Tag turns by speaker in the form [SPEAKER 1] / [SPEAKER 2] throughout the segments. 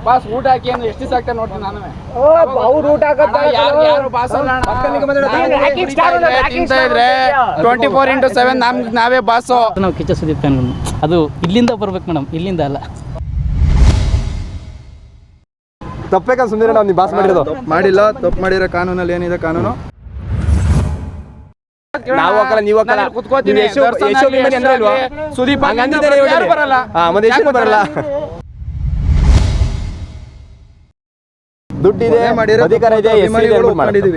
[SPEAKER 1] Boss ಊಟ ಹಾಕಿ ಅಂದ್ರೆ ಎಷ್ಟು ದಿವಸ ಆಗ್ತಾ ನೋಡ್ತೀನಿ ನಾನು.
[SPEAKER 2] ಅವ್ರು ಊಟ
[SPEAKER 1] ಯಾರು ಬಾಸ್ ಅಲ್ಲ ತಿಂತಾ ಇದ್ರೆ 24/7 ನಾವೇ ಬಾಸು.
[SPEAKER 3] ನಾವು ಕಿಚ್ಚ ಸುದೀಪ್ ಫ್ಯಾನ್. ಅದು ಇಲ್ಲಿಂದ ಬರ್ಬೇಕು ಮೇಡಮ್, ಇಲ್ಲಿಂದ ಅಲ್ಲ.
[SPEAKER 2] ತಪ್ಪೇಕ ಸುಂದರ ನಾವು ನೀವು ಬಾಸ್ ಮಾಡಿರೋದು
[SPEAKER 4] ಮಾಡಿಲ್ಲ. ತಪ್ಪು ಮಾಡಿರೋ ಕಾನೂನಲ್ಲಿ ಏನಿದೆ ಕಾನೂನು
[SPEAKER 2] ನಾವು ಹಾಕಲ್ಲ, ನೀವು ಹಾಕಲ್ಲ.
[SPEAKER 1] ಕುತ್ಕೋತೀವಿ ಸುದೀಪ್ ಯಾರು ಬರಲ್ಲ.
[SPEAKER 2] ಬರಲ್ಲ. ದುಡ್ಡಿದೆ, ಅಧಿಕಾರ ಇದೆ, ಮಾಡಿದೀವಿ.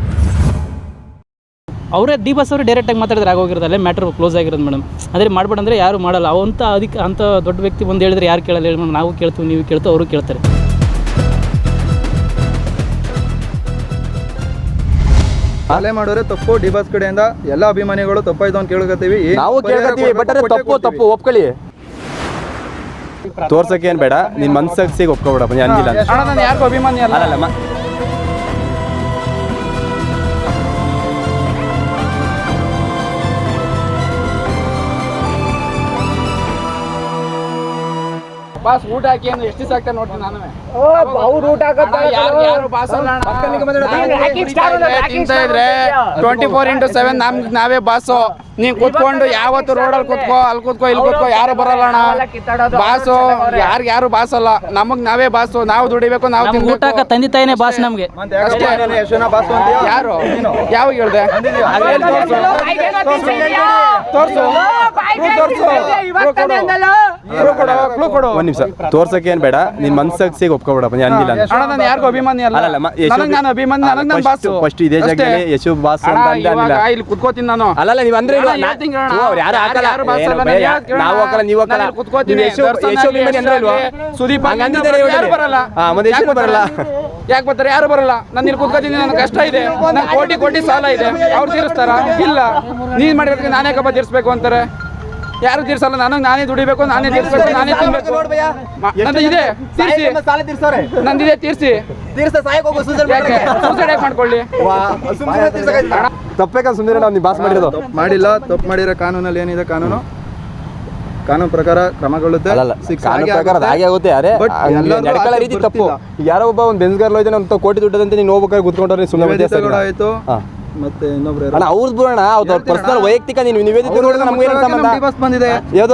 [SPEAKER 3] ಅವರೇ ಡಿ ಬಾಸ್ ಅವರು ಡೈರೆಕ್ಟಾಗಿ ಮಾತಾಡಿದ್ರೆ ಆಗೋಗಿರೋದು, ಅಲ್ಲೇ ಮ್ಯಾಟ್ರ್ ಕ್ಲೋಸ್ ಆಗಿರೋದು ಮೇಡಮ್. ಅದೇ ಮಾಡ್ಬೇಡಂದ್ರೆ ಯಾರು ಮಾಡಲ್ಲ. ಅಂಥ ದೊಡ್ಡ ವ್ಯಕ್ತಿ ಬಂದು ಹೇಳಿದ್ರೆ ಯಾರು ಕೇಳಲ್ಲ ಹೇಳಿ ಮೇಡಮ್. ನಾವು ಕೇಳ್ತೀವಿ, ನೀವು ಕೇಳ್ತೀವಿ, ಅವರು ಕೇಳ್ತಾರೆ.
[SPEAKER 4] ಅಲೆ ಮಾಡೋರೆ ತಪ್ಪು. ಡಿ ಬಾಸ್ ಕಡೆಯಿಂದ ಎಲ್ಲ ಅಭಿಮಾನಿಗಳು ತಪ್ಪಾಯ್ತು ಅಂತ ಕೇಳ್ಕೊತೀವಿ.
[SPEAKER 2] ನಾವು ಕೇಳ್ಕೊತೀವಿ, ಬಟ್ ಅದೇ ತಪ್ಪು ಒಪ್ಕೊಳ್ಳಿ. ತೋರ್ಸಕ್ಕೆ ಏನ್ ಬೇಡ, ನಿನ್ ಮನ್ಸಿಗೆ ಒಪ್ಕೊಬೇಡ. ಹಂಗಿಲ್ಲ
[SPEAKER 1] ನಾನು ಯಾರಿಗೂ ಅಭಿಮಾನಿ ಅಲ್ಲ. ಬಾಸ್ ಊಟ ಹಾಕಿ ಅಂದ್ರೆ ಎಷ್ಟು ದಿವಸ ಆಗ್ತಾ ನೋಡ್ತೀನಿ ನಾನು.
[SPEAKER 2] ಅವ್ರು ಊಟ
[SPEAKER 1] ಯಾರು ಬಾಸ್ ಅಲ್ಲ ತಿಂತಾ ಇದ್ರೆ 24/7 ನಾವೇ ಬಾಸು. ನೀನ್ ಕೂತ್ಕೊಂಡು ಯಾವತ್ತು ರೋಡಲ್ಲಿ ಕೂತ್ಕೋ, ಅಲ್ಲಿ ಕೂತ್ಕೋ, ಇಲ್ಲಿ ಕೂತ್ಕೋ, ಯಾರು ಬರಲ್ಲ ಅಣ್ಣ. ಬಾಸು ಯಾರು ಬಾಸ್ ಅಲ್ಲ, ನಮಗ್ ನಾವೇ ಬಾಸು. ನಾವು ದುಡಿಬೇಕು, ನಾವು
[SPEAKER 3] ಊಟಕ್ಕೆ ತಂದೆ ತಾಯಿನೇ ಬಾಸ್ ನಮ್ಗೆ.
[SPEAKER 1] ಯಾರು ಯಾವಾಗ ಹೇಳ್ದೆ? ತೋರ್ಸು.
[SPEAKER 2] ಒಂದ್ ನಿಮಿಷ. ತೋರ್ಸಕ್ಕೆ ಏನ್ ಬೇಡ, ನಿನ್ ಮನ್ಸಿಗೆ ಒಪ್ಕೊಬೇಡ. ಹಂಗಿಲ್ಲ
[SPEAKER 1] ನಾನು ಯಾರಿಗೂ ಅಭಿಮಾನಿ ಅಲ್ಲ. ನಾನು ಅಭಿಮಾನಿ, ನನಗೆ ನಾನು ಬಾಸು.
[SPEAKER 2] ಫಸ್ಟ್ ಇದೇ ಜಾಗದಲ್ಲಿ ಯಶು ಬಾಸ್
[SPEAKER 1] ಇಲ್ಲಿ ಕುತ್ಕೋತೀನಿ ನಾನು.
[SPEAKER 2] ಅಲ್ಲ ನೀವು ಅಂದ್ರೆ ನಾವು ಹಾಕಲ್ಲ, ನೀವು ಹಾಕಲ್ಲ.
[SPEAKER 1] ಸುದೀಪ್ ಬರಲ್ಲ. ಯಾಕೆ ಬರ್ತಾರೆ? ಯಾರು ಬರಲ್ಲ. ನಾನು ಇಲ್ಲಿ ಕುತ್ಕೋತೀನಿ, ನನ್ನ ಕಷ್ಟ ಇದೆ, ನಂಗೆ ಕೋಟಿ ಸಾಲ ಇದೆ. ಅವ್ರು ತೀರಿಸ್ತಾರ? ಇಲ್ಲ. ನೀನ್ ಮಾಡಿರೋದಕ್ಕೆ ನಾನೇ ಕಬ್ಬ ತೀರಿಸ್ಬೇಕು ಅಂತಾರೆ. ಯಾರು ತೀರ್ಸಲ್ಲ. ನಾನೇ ದುಡಿಬೇಕು, ನಾನೇ ತೀರ್ಸ್ಬೇಕು, ನಾನೇ ತಿನ್ಬೇಕು. ನಂದಿದೆ ತೀರ್ಸಿ, ನಂದಿದೆ ತೀರ್ಸಿ. ಸೂಸೈಡ್ ಮಾಡ್ಕೊಳ್ಳಿ.
[SPEAKER 2] ತಪ್ಪೇಕ ಸುಂದರ ನಾವು ನೀವು ಬಾಸ್ ಮಾಡಿರೋದು.
[SPEAKER 4] ಮಾಡಿಲ್ಲ. ತಪ್ಪು ಮಾಡಿರೋ ಕಾನೂನಲ್ಲಿ ಏನಿದೆ ಕಾನೂನು ಪ್ರಕಾರ ಕ್ರಮಗೊಳ್ಳುತ್ತೆ.
[SPEAKER 2] ಕಾನೂನು ಪ್ರಕಾರ ಹಾಗೆ ಆಗುತ್ತೆ. ನಡ್ಕೊಳ್ಳೋ ರೀತಿ ತಪ್ಪು. ಯಾರೋ ಒಬ್ಬ ಒಂದು ಬೆನ್ಸ್ಗಾರ್ ಹೋಯ್ತಾನೆ, ಒಂದು ಕೋಟಿ ದುಡ್ಡದಂತೆ ನೀನು ಹೋಗ್ಬೇಕಾದ್ರೆ ಕುತ್ಕೊಂಡ್ರೆ ಸುಮ್ಮನೆ ಆಯ್ತು.
[SPEAKER 4] ಮತ್ತೆ ಇನ್ನೊಬ್ರು
[SPEAKER 2] ಅವ್ರದ್ದು ಬಿಡೋಣ, ಅವ್ರ ಪರ್ಸನಲ್ ವೈಯಕ್ತಿಕ. ನೀವು ನಿವೇದಿತ ನೋಡಿದ್ರೆ ನಮ್ಗೆ ಏನು ಸಂಬಂಧ?
[SPEAKER 4] ಬಂದಿದೆ
[SPEAKER 2] ಯಾವುದು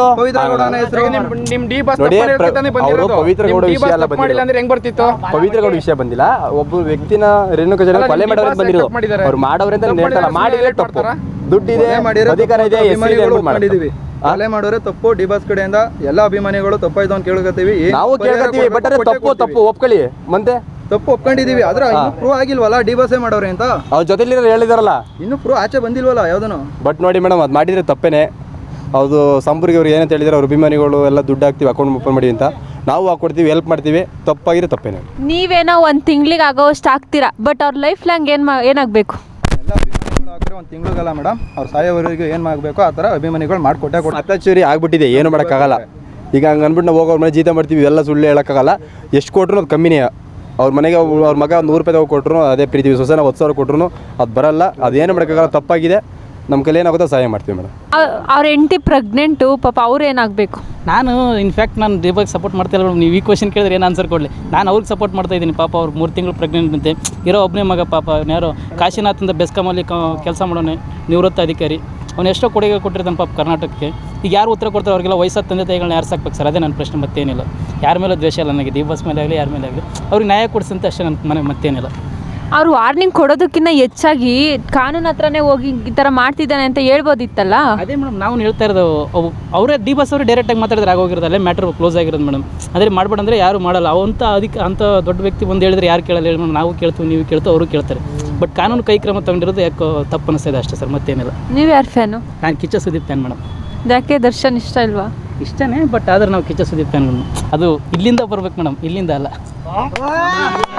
[SPEAKER 1] ನಿಮ್ ಡಿ ಬಾಸ್
[SPEAKER 2] ಅವರು ಪವಿತ್ರ ಗೌಡ ವಿಷಯ ಎಲ್ಲ
[SPEAKER 1] ಬಂದಿಲ್ಲ ಅಂದ್ರೆ ಹೆಂಗ್ ಬರ್ತಿತ್ತು?
[SPEAKER 2] ಪವಿತ್ರ ಗೌಡ ವಿಷಯ ಬಂದಿಲ್ಲ. ಒಬ್ಬ ವ್ಯಕ್ತಿನ ರೇಣುಕಾ ಜನ ಕೊಲೆ ಮಾಡೋರು ಬಂದಿರೋದು. ಅವ್ರು ಮಾಡೋರೆ ಅಂತ ಹೇಳ್ತಾರ, ಮಾಡಿದ್ರೆ ತಪ್ಪು. ದುಡ್ಡಿದೆ, ಅಧಿಕಾರ ಇದೆ,
[SPEAKER 4] ಮಾಡಿದೀವಿ. ಅಲೆ ಮಾಡೋರೆ ತಪ್ಪು. ಡಿ ಬಾಸ್ ಕಡೆಯಿಂದ ಎಲ್ಲ ಅಭಿಮಾನಿಗಳು ತಪ್ಪಾಯ್ತು ಅಂತ ಕೇಳ್ಕೊತೀವಿ.
[SPEAKER 2] ನಾವು ಕೇಳ್ಕೊತೀವಿ, ಬಟ್ ಅದೇ ತಪ್ಪು ಒಪ್ಕೊಳ್ಳಿ. ಮತ್ತೆ
[SPEAKER 4] ತಪ್ಪು ಒಪ್ಕೊಂಡಿದೀವಿ. ಆದ್ರೆ ಇನ್ನೂ ಪ್ರೂವ್ ಆಗಿಲ್ವಲ್ಲ ಡಿ ಬಾಸೇ ಮಾಡೋರೆ ಅಂತ.
[SPEAKER 2] ಅವ್ರ ಜೊತೆಲಿ ಹೇಳಿದಾರಲ್ಲ,
[SPEAKER 4] ಇನ್ನೂ ಪ್ರೂವ್ ಆಚೆ ಬಂದಿಲ್ವಲ್ಲ ಯಾವ್ದನು.
[SPEAKER 2] ಬಟ್ ನೋಡಿ ಮೇಡಮ್, ಅದು ಮಾಡಿದ್ರೆ ತಪ್ಪೇನೆ. ಅದು ಸಂಪರ್ಕ ಅವ್ರು ಏನಂತ ಹೇಳಿದ್ರೆ, ಅವ್ರ ಅಭಿಮಾನಿಗಳು ಎಲ್ಲ ದುಡ್ಡು ಹಾಕ್ತೀವಿ, ಅಕೌಂಟ್ ಓಪನ್ ಮಾಡಿ ಅಂತ. ನಾವು ಹಾಕೊಡ್ತೀವಿ, ಹೆಲ್ಪ್ ಮಾಡ್ತೀವಿ. ತಪ್ಪಾಗಿರೋ ತಪ್ಪೇನೆ.
[SPEAKER 5] ನೀವೇನೋ ಒಂದು ತಿಂಗಳಿಗೆ ಆಗೋಷ್ಟು ಆಗ್ತೀರಾ, ಬಟ್ ಅವ್ರ ಲೈಫ್ ಲಾಂಗ್ ಏನಾಗಬೇಕು?
[SPEAKER 4] ಎಲ್ಲ ಅಭಿಮಾನಿಗಳು ಹಾಕಿದ್ರೆ ಒಂದು ತಿಂಗಳಿಗಲ್ಲ ಮೇಡಮ್, ಅವ್ರು ಸಾಯೋವರೆಗೂ ಏನು ಮಾಡಬೇಕು ಆ ಥರ ಅಭಿಮಾನಿಗಳು ಮಾಡಿಕೊಟ್ಟೆ
[SPEAKER 2] ಅತ್ಯಾಚುರಿ ಆಗ್ಬಿಟ್ಟಿದೆ, ಏನು ಮಾಡೋಕ್ಕಾಗಲ್ಲ. ಈಗ ಹಂಗೆ ಅಂದ್ಬಿಟ್ಟು ನಾವು ಹೋಗೋರ್ ಮನೆ ಜೀತ ಮಾಡ್ತೀವಿ, ಎಲ್ಲ ಸುಳ್ಳು ಹೇಳೋಕ್ಕಾಗಲ್ಲ. ಎಷ್ಟು ಕೊಟ್ಟರು ಅದು ಕಮ್ಮಿನೇ. ಅವ್ರ ಮನೆಗೆ ಅವ್ರ ಮಗ ₹100 ಕೊಟ್ಟರು ಅದೇ ಪ್ರೀತಿ. ಸೊಸೆನ 10,000 ಕೊಟ್ಟರು ಅದು ಬರಲ್ಲ. ಅದೇನು ಮಾಡೋಕ್ಕಾಗಲ್ಲ, ತಪ್ಪಾಗಿದೆ. ನಮ್ಮ ಕೈಲಿ ಏನಾಗುತ್ತೋ ಸಹಾಯ ಮಾಡ್ತೀವಿ ಮೇಡಮ್.
[SPEAKER 5] ಅವ್ರ ಹೆಂಡತಿ ಪ್ರೆಗ್ನೆಂಟು, ಪಾಪ ಅವ್ರು ಏನಾಗಬೇಕು?
[SPEAKER 3] ನಾನು ಇನ್ಫ್ಯಾಕ್ಟ್ ನಾನು ಡಿ ಬಾಸ್ ಸಪೋರ್ಟ್ ಮಾಡ್ತಾ ಇಲ್ಲ. ನೀವು ಈ ಕ್ವಶನ್ ಕೇಳಿದ್ರೆ ಏನು ಆನ್ಸರ್ ಕೊಡಲಿ? ನಾನು ಅವ್ರಿಗೆ ಸಪೋರ್ಟ್ ಮಾಡ್ತಾ ಇದ್ದೀನಿ. ಪಾಪ ಅವ್ರು 3 ತಿಂಗಳು ಪ್ರೆಗ್ನೆಂಟ್ ಅಂತೆ. ಇರೋ ಒಬ್ಬನೇ ಮಗ ಪಾಪ. ಯಾರೋ ಕಾಶಿನಾಥ್ ಅಂತ ಬೆಸ್ಕಾಮಲ್ಲಿ ಕೆಲಸ ಮಾಡೋನೆ, ನಿವೃತ್ತ ಅಧಿಕಾರಿ. ಅವ್ನು ಎಷ್ಟೋ ಕೊಡುಗೆ ಕೊಟ್ಟಿರ್ತಾನೆ ಪಾಪ ಕರ್ನಾಟಕಕ್ಕೆ. ಈಗ ಯಾರು ಉತ್ತರ ಕೊಡ್ತಾರೆ? ಅವ್ರಿಗೆಲ್ಲ ವಯಸ್ಸಾದ ತಂದೆ ತಾಯಿಗಳನ್ನ ಯಾರು ಸಾಕ್ಬೇಕು ಸರ್? ಅದೇ ನನ್ನ ಪ್ರಶ್ನೆ, ಮತ್ತೇನಿಲ್ಲ. ಯಾರ ಮೇಲೆ ದ್ವೇಷ ಇಲ್ಲ ನನಗೆ, ಡಿ ಬಾಸ್ ಮೇಲೆ ಆಗಲಿ ಯಾರ ಮೇಲೆ ಆಗಲಿ. ಅವ್ರಿಗೆ ನ್ಯಾಯ ಕೊಡಿಸಂತ ಅಷ್ಟೇ ನನ್ನ ಮನೆ, ಮತ್ತೇನಿಲ್ಲ.
[SPEAKER 5] ಅವ್ರು ವಾರ್ನಿಂಗ್ ಕೊಡೋದಕ್ಕಿಂತ ಹೆಚ್ಚಾಗಿ ಕಾನೂನು ಹತ್ರನೇ ಹೋಗಿ ಈ ಥರ ಮಾಡ್ತಿದ್ದಾನೆ ಅಂತ ಹೇಳ್ಬೋದಿತ್ತಲ್ಲ.
[SPEAKER 3] ಅದೇ ಮೇಡಮ್ ನಾವು ಹೇಳ್ತಾ ಇರೋದು. ಅವರೇ ಡಿ ಬಾಸ್ ಅವರು ಡೈರೆಕ್ಟಾಗಿ ಮಾತಾಡಿದ್ರೆ ಆಗೋಗಿರೋದು, ಅಲ್ಲೇ ಮ್ಯಾಟ್ರ್ ಕ್ಲೋಸ್ ಆಗಿರೋದು ಮೇಡಮ್. ಅದೇ ಮಾಡ್ಬೇಡಂದ್ರೆ ಯಾರು ಮಾಡಲ್ಲ. ಅಂಥ ದೊಡ್ಡ ವ್ಯಕ್ತಿ ಬಂದು ಹೇಳಿದ್ರೆ ಯಾರು ಕೇಳಲ್ಲ ಹೇಳಿ ಮೇಡಮ್. ನಾವು ಕೇಳ್ತೀವಿ, ನೀವು ಕೇಳ್ತೀವಿ, ಅವರು ಕೇಳ್ತಾರೆ. ಬಟ್ ಕಾನೂನು ಕೈ ಕ್ರಮ ತೊಗೊಂಡಿರೋದು ಯಾಕೋ ತಪ್ಪು ಅನಿಸ್ತಿದೆ ಅಷ್ಟೇ ಸರ್, ಮತ್ತೇನಿಲ್ಲ.
[SPEAKER 5] ನೀವು ಯಾರು ಫ್ಯಾನು?
[SPEAKER 3] ನಾನು ಕಿಚ್ಚ ಸುದೀಪ್ ಫ್ಯಾನ್ ಮೇಡಮ್.
[SPEAKER 5] ಯಾಕೆ ದರ್ಶನ್ ಇಷ್ಟ ಇಲ್ವಾ?
[SPEAKER 3] ಇಷ್ಟನೇ, ಬಟ್ ಆದ್ರೆ ನಾವು ಕಿಚ್ಚ ಸುದೀಪ್ ಫ್ಯಾನ್. ಅದು ಇಲ್ಲಿಂದ ಬರ್ಬೇಕು ಮೇಡಮ್, ಇಲ್ಲಿಂದ ಅಲ್ಲ.